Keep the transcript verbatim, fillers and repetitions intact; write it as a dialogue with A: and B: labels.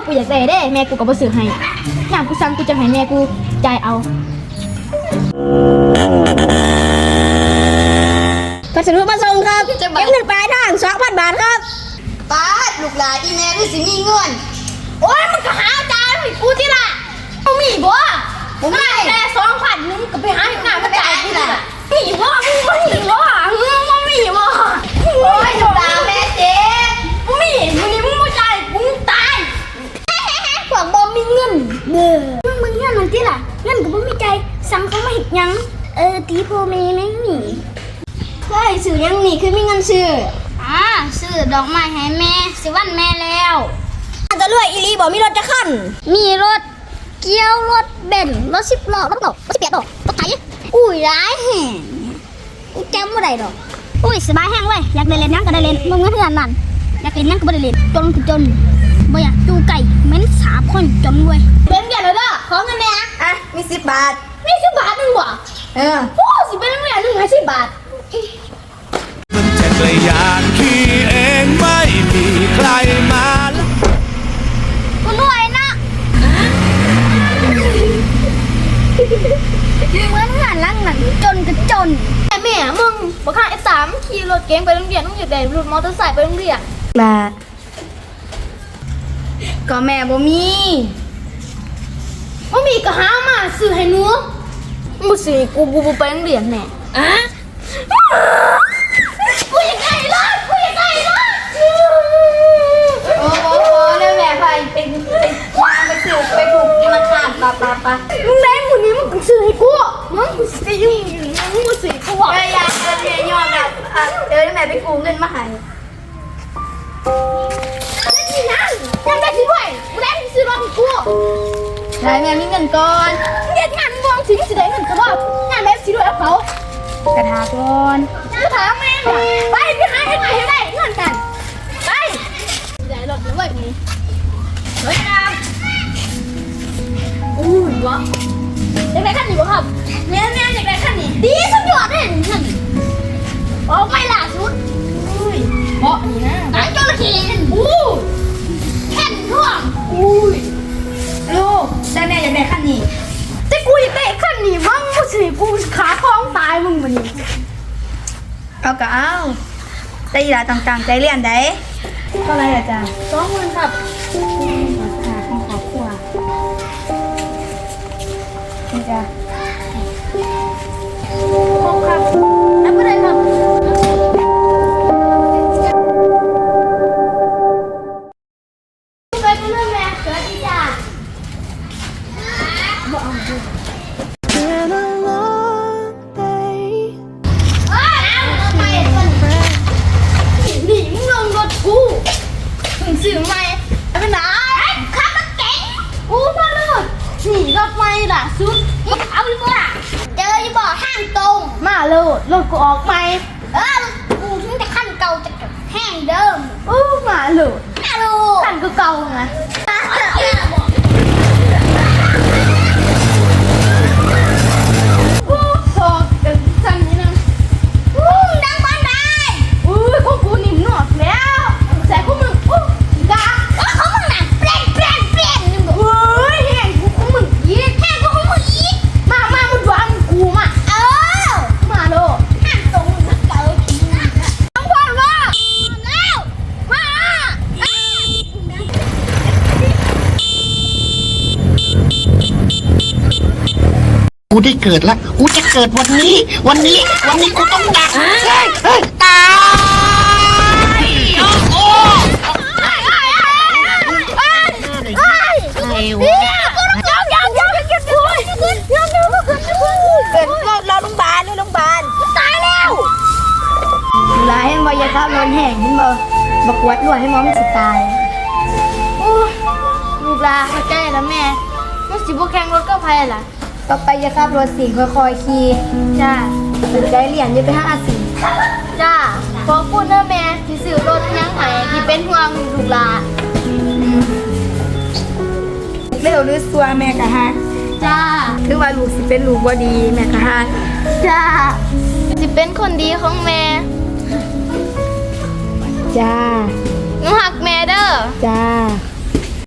A: กูอยากได้เด้แม่กูก็บ่ซื้อให้ยามกูสั่งกูจะให้แม่กูจ่ายเอาพัสดุมาส่งครับเก็บเงินปลายทาง สองพัน บาทครับป้าลูกหลานอีแม่ได้สิมีเงินโอ้ยมันก็หาจ่ายให้กูที่ล่ะบ่มีบ่บ่มีแต่ สองพัน นึงก็ไปหาหน้ามาจ่ายที่ล่ะมีบ่มึงบ่มีบ่มึงบ่มีบ่โอ้ยลูกหลานแม่เจ็บบ่มีมื้อนี้มึงบ่จ่ายกูตายพวกบ่มีเงินเด้อมึงมึงเงินมันที่ล่ะเงินก็บ่มีใจสั่งเขามาเฮ็ดหยังเออตีพ่อแม่แม่งนี่เฮ้ยซื้อยังนี่คือมีเงินซื้ออ่าซื้อดอกไม้ให้แม่สิวันแม่แล้วจะรวยอีหลีบ่มีรถจะคันมีรถเกียวรถเบนซ์รถสิบล้อรถดอกรถสิบแปดดอกรถไถอุ้ยร้ายแห่งกูจำบ่ได้ดอกอุ้ยสบายแห้งเว้ยอยากได้เล่นยังก็ได้เล่นมึงเงินเดือนนั่นอยากเล่นยังก็บ่ได้เล่นจนคือจนบ่อยากจูไก่เหม็นสาบคนจนเว้ยเป็นเดือนแล้วเด้อขอเงินแน่อ่ะมีสิบบาทมีสิบบาทนึงบ่เออโอ้สิเป็นเดือนนึงให้สิบบาท
B: มันจะกระยานขี่เองไม่มีใครมา
A: กูรวยนะเหมือนงานลังหนังจนก็จนแต่แม่มึงบอกข้าไอ้สามขี่รถเก๋งไปโรงเรียนต้องหยุดได้รถมอเตอร์ไซค์ไปโรงเรียนลาก็แม่บ่มีบ่มีก็หามาซื้อให้หนูบ่สิกูบ่ไปโรงเรียนแน่อะกูอยากได้รถกูอยากได้รถโอ้โหเรื่องแม่ไปเป็นเป็นวางไปซื้อไปถูกมาขาดปะปะปะมึงได้หมูนี้มึงซื้อให้กูมึงกูซื้อยุ่งมึงกูซื้อกูบอกไม่อยากจะเรียนยอมแบบเดี๋ยวแม่ไปกู้เงินมาให้นี่นั่นยังได้สิด้วยกูได้ซื้อรถให้กูได้แม่มีเงินก่อนเรียนงานวงสิสิได้เงินก็บอกงานแบบสิด้วยเอาเขากระทาก่อนกระทาแม่ไปไปหาให้ให้ได้เงินกันไปได้รถแล้วเว้ยนี่เฮ้ยนะอู้ยวะอยากได้ขั้นนี้บ่ครับแม่แม่อยากได้ขั้นนี้ดีสุดยอดเลยขั้นนี้ออกไปล่าสุดอุ้ยเบาะนี่นะหางจระเข้อู้แค่นท่วงอุ้ยลูกได้แม่อยากได้ขั้นนี้แต่กูอยากได้ขั้นนี้บ้างกูสิกูขาคล้องตายมึงมันนี่
C: เอาก็เอาใจหลาต่างๆใจเรียนได้เท่าไรอาจารย์
A: สองหมื่นครับ
C: ค่ะของขอบครัวนี่จ้ะ
A: ครบครับแล้วก็ได้ครับไปเพื่อนแม่สวัสดีจ้าบอกเอาดูนี่มึงลงรถกูมึงซื้อไหมไปไหนขับรถเก๋งกูมาเลยนี่รถไฟล่ะสุดเอาดีกว่าเจอยี่บ่อห้างตรงมาเลยรถกูออกไหมเออกูถึงแต่ขั้นเก่าจะแห้งเดิมอู้มาเลยมาเลยขั้นก็เก่าไง
D: กูได้เกิดแล้วกูจะเกิดวันนี้วันนี้วันนี้กูต้องดักตายโอ้โหอะไรวะ
C: ยังยังยังยังยังยังเกิดรอรอโรงพยาบาลรอโรงพยาบาล
A: ตายแล้ว
C: หลายยังบ่อยากขับรถแห่งนี่บ่บักวัดรวยให้มองมันสิตาย
A: ลูกลาเข้าใจแล้วแม่มันสิบ่แข่งรถก็ไผล่ะ
C: ต่อไปจะขับรถสิค่อยๆขี่
A: จ้า
C: สนใจเรียนอย่าไปหาสิ
A: จ้าขอบคุณนะแม่ที่ซื้อรถยังไงที่เป็นห่วงลูกหลาน
C: เร็วหรือซัวแม่กะฮะ
A: จ้า
C: คือว่าลูกสิเป็นลูกบ่ดีแม่กะฮะ
A: จ้าสิเป็นคนดีของแม่
C: จ้า
A: หนูหักแม่เด้อ
C: จ้า